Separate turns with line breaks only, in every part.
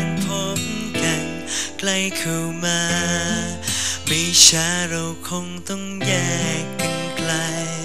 การพบกันใกล้เข้ามาไม่ช้าเราคงต้องแยกกันไกล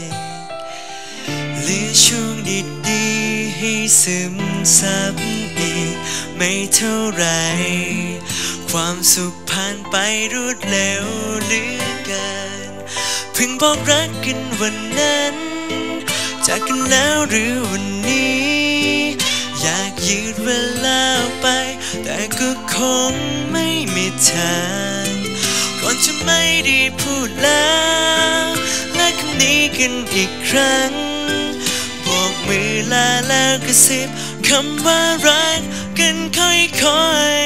เหลือช่วงดีๆให้ซึมซับอีกไม่เท่าไรความสุขผ่านไปรวดเร็วเหลือเกินเพิ่งบอกรักกันวันนั้นจากกันแล้วหรือวันนี้อยากยืดเวลาไปแต่ก็คงไม่มีทางก่อนจะไม่ได้พูดแล้วและคำนี้กันอีกครั้งบอกมือลาแล้วกระซิบคำว่ารักกันค่อย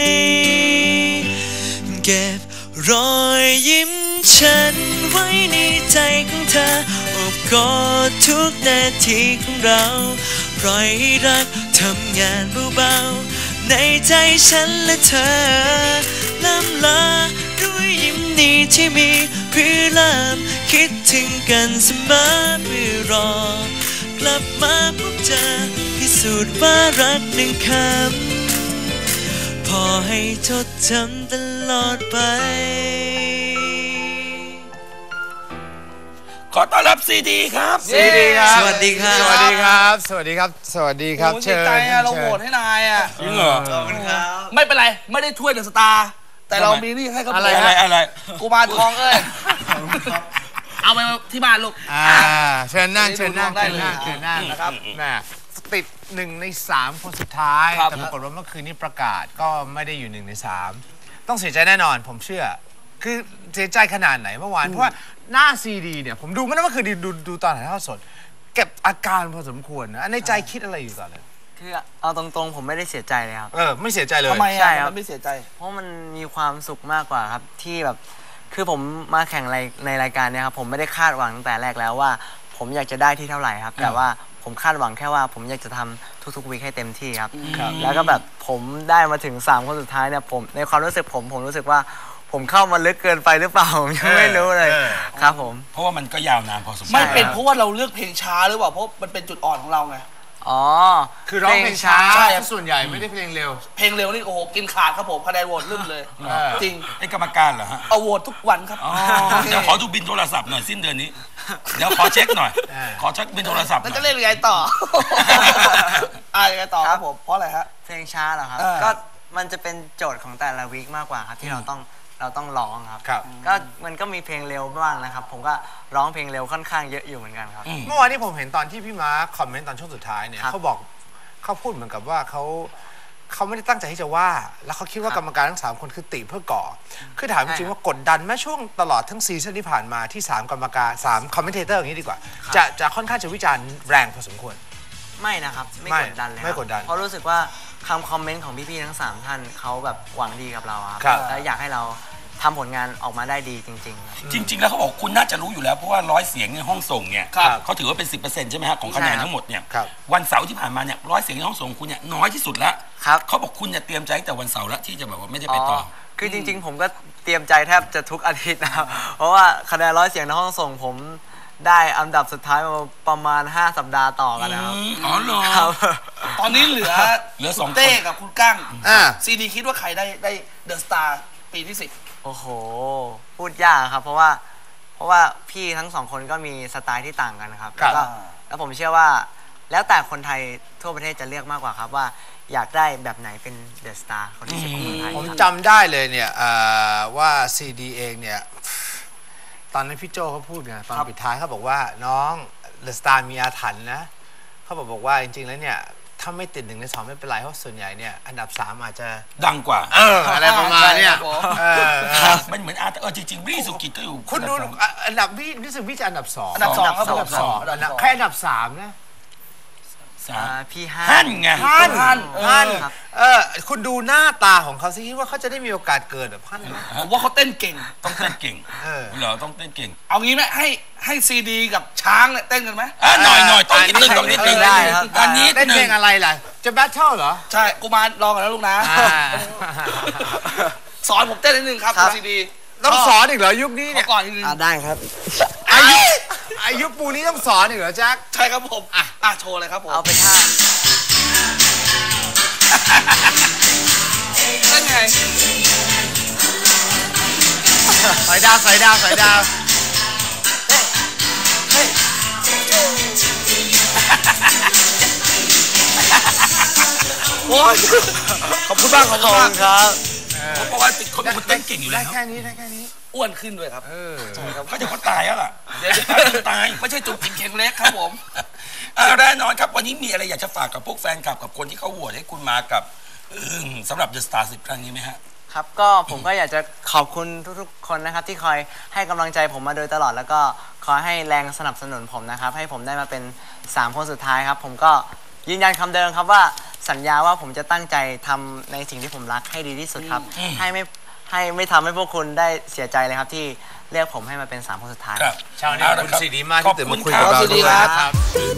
ๆเก็บรอยยิ้มฉันไว้ในใจของเธอโอบกอดทุกนาทีของเราปล่อยให้รักทำงานเบาๆในใจฉันและเธอล้ำลาด้วยยิ้มนี้ที่มีเพื่อลำคิดถึงกันเสมอเพื่อรอกลับมาพบเจอพิสูจน์ว่ารักหนึ่งคำพอให้จดจำตลอดไป
ขอต้อนรับซีดีครับ
ซีดีครับ
สวัสดีครับ
สวัสดีครับสวัสดีครับสวัสดีครับ
เชิญเราโหวตให้นายอ่ะ
จริงเหรอ
ไม่เป็นไรไม่ได้ถ้วยเดอะสตาร์แต่เรามีนี่ให้เขา
อะไร
กูมารทองเอาไปที่บ้านลูก
เชิญนั่ง
ได้เลย
นะครับแม่ติด1 ใน 3คนสุดท้ายแต่ปรากฏว่าเมื่อคืนนี้ประกาศก็ไม่ได้อยู่1 ใน 3ต้องเสียใจแน่นอนผมเชื่อคือเสียใจขนาดไหนเมื่อวานเพราะว่าหน้าซีดีเนี่ยผมดูไม่ได้ว่าคือดูตอนถ่ายทอดสดเก็บอาการพอสมควรนะในใจคิดอะไรอยู่ตอนนั้น
คือเอาตรงๆผมไม่ได้เสียใจเลยครับ
ไม่เสียใจเลย
ทำไมใช่ครับไม่เสียใจ
เพราะมันมีความสุขมากกว่าครับที่แบบคือผมมาแข่งในรายการเนี่ยครับผมไม่ได้คาดหวังตั้งแต่แรกแล้วว่าผมอยากจะได้ที่เท่าไหร่ครับแต่ว่าผมคาดหวังแค่ว่าผมอยากจะทำทุกๆวีคให้เต็มที่ครับแล้วก็แบบผมได้มาถึง3คนสุดท้ายเนี่ยผมในความรู้สึกผมรู้สึกว่าผมเข้ามาลึกเกินไปหรือเปล่าผมยังไม่รู้เลยครับผม
เพราะว่ามันก็ยาวนานพอสมควร
ไม่เป็นเพราะว่าเราเลือกเพลงช้าหรือเปล่าเพราะมันเป็นจุดอ่อนของเราไง
คือร้องเพลงช้าส่วนใหญ่ไม่ได้เพลงเร็ว
เพลงเร็วนี่โอ้โหกินขาดครับผมคะแนนโหวตลืมเลยจริง
ไอ้กรรมการเหรอฮะ
เอาโหวตทุกวันครับ
เดี๋ยวขอดูบินโทรศัพท์หน่อยสิ้นเดือนนี้เดี๋ยวขอเช็คหน่อยขอเช็คบินโทรศัพท์
แล้วจะเล่นยังไงต่อยังไงต่อครับผมเพราะอะไรฮะ
เพลงช้าเหรอครับก็มันจะเป็นโจทย์ของแต่ละวีคมากกว่าครับที่เราต้องร้องครับก็มันก็มีเพลงเร็วบ้างนะครับผมก็ร้องเพลงเร็วค่อนข้างเยอะอยู่เหมือนกันครับ
เมื่อวานนี้ผมเห็นตอนที่พี่มาร์คคอมเมนต์ตอนช่วงสุดท้ายเนี่ยเขาพูดเหมือนกับว่าเขาไม่ได้ตั้งใจที่จะว่าแล้วเขาคิดว่ากรรมการทั้ง3คนคือติเพื่อก่อคือถามจริงๆว่ากดดันแม้ช่วงตลอดทั้งซีซั่นที่ผ่านมาที่3กรรมการ3คอมเมนเทเตอร์อย่างนี้ดีกว่าจะค่อนข้างจะวิจารณ์แรงพอสมควร
ไม่นะครับไม่กดดันเลย
ไม่กดดัน
เพราะรู้สึกว่าคำคอมเมนต์ของพี่ๆทั้ง3ท่านเขาแบบหวังดีกับเราครับและอยากให้เราทำผลงานออกมาได้ดีจริง
ๆจริงๆแล้วเขาบอกคุณน่าจะรู้อยู่แล้วเพราะว่า100 เสียงในห้องส่งเนี่ยเขาถือว่าเป็น 10% ใช่ไหมฮะของคะแนนทั้งหมดเนี่ยวันเสาร์ที่ผ่านมาเนี่ย100 เสียงในห้องส่งคุณเนี่ยน้อยที่สุดแล้วเขาบอกคุณเนี่ยเตรียมใจตั้งแต่วันเสาร์แล้วที่จะแบบว่าไม่ได้ไปต่อ
คือจริงๆผมก็เตรียมใจแทบจะทุกอาทิตย์นะครับเพราะว่าคะแนน100 เสียงในห้องส่งผมได้อันดับสุดท้ายมาประมาณ5 สัปดาห์ต่อกันนะครับ
อ๋อเหรอ
ตอนนี้เหลือ2เต้กับคุณกั้งซีดีคิดว่าใครได้เดอะสตาร์ปีที่10
โอ้โหพูดยากครับเพราะว่าพี่ทั้ง2คนก็มีสไตล์ที่ต่างกันครับแล้วผมเชื่อว่าแล้วแต่คนไทยทั่วประเทศจะเลือกมากกว่าครับว่าอยากได้แบบไหนเป็นเดอะสตาร์คนที่10ของคนไทย
ผมจำได้เลยเนี่ยว่าซีดีเองเนี่ยตอนนั้นพี่โจเขาพูดไงตอนปิดท้ายเขาบอกว่าน้องเดอะสตาร์มีอาถรรพ์นะเขาบอกว่าจริงๆแล้วเนี่ยถ้าไม่ติด1 ใน 2ไม่เป็นไรเพราะส่วนใหญ่เนี่ยอันดับ3อาจจะ
ดังกว่า
อะไรประมาณเนี่ย
มันเหมือนจริงๆวิสุกิจก็อยู่
คุณดูอันดับวิสุกิจอันดับ2
อันดับ2ครับ
แค่อันดับ3นะ
พี่
ฮั่นไง
ฮั่นคุณดูหน้าตาของเขาสิคิดว่าเขาจะได้มีโอกาสเกิดแบบฮั่น
ผมว่าเขาเต้นเก่ง
ต้องเต้นเก่งเหรอต้องเต้นเก่ง
เอางี้ไหมให้ซีดีกับช้างเนี่ยเต้นกันไหม
หน่อยต้องนิดนึง
ได้ครับ
อันนี้เต้นเพลงอะไรล่ะจะแบทเทิลเหรอ
ใช่กูมาลองกันแล้วลูกนะสอนผมเต้นนิดนึงครับซีดี
ต้องสอนอีกเหรอยุคนี้เนี่ย
ก่อนนิดนึง
ได้ครับ
อายุปูนี้ต้องสอนอีกเหรอแจ็ค
ใช่ครับผมโชว์เลยครับผม
เอาเป็นท่า
ดาวสอยดาวสอยดาวโอ้ยขอบคุณมากขอบคุณมากครับ
เพราะว่าเขาเป็นคนเต้นเก่งอยู่แล้ว
ได้แค่นี้
อ้วนขึ้นด้วยครับ
เขาจะเขาตายแล้วล่ะ
เดี๋ยวตายไม่ใช่จุกจิกเข่งเล็กครับผม
แน่นอนครับวันนี้มีอะไรอยากจะฝากกับพวกแฟนคลับกับคนที่เขาโหวตให้คุณมากับสำหรับ The Star 10 ครั้งนี้ไหมฮะ
ครับก็ผมก็อยากจะขอบคุณทุกๆคนนะครับที่คอยให้กำลังใจผมมาโดยตลอดแล้วก็คอยให้แรงสนับสนุนผมนะครับให้ผมได้มาเป็น3คนสุดท้ายครับผมก็ยืนยันคำเดิมครับว่าสัญญาว่าผมจะตั้งใจทำในสิ่งที่ผมรักให้ดีที่สุดครับให้ไม่ทำให้พวกคุณได้เสียใจเลยครับที่เรียกผมให้มาเป็น3คนสุดท้าย
เช้านี้ขอบคุณสีดีมากที่ตื่นมาคุยกับเราด้วยครับ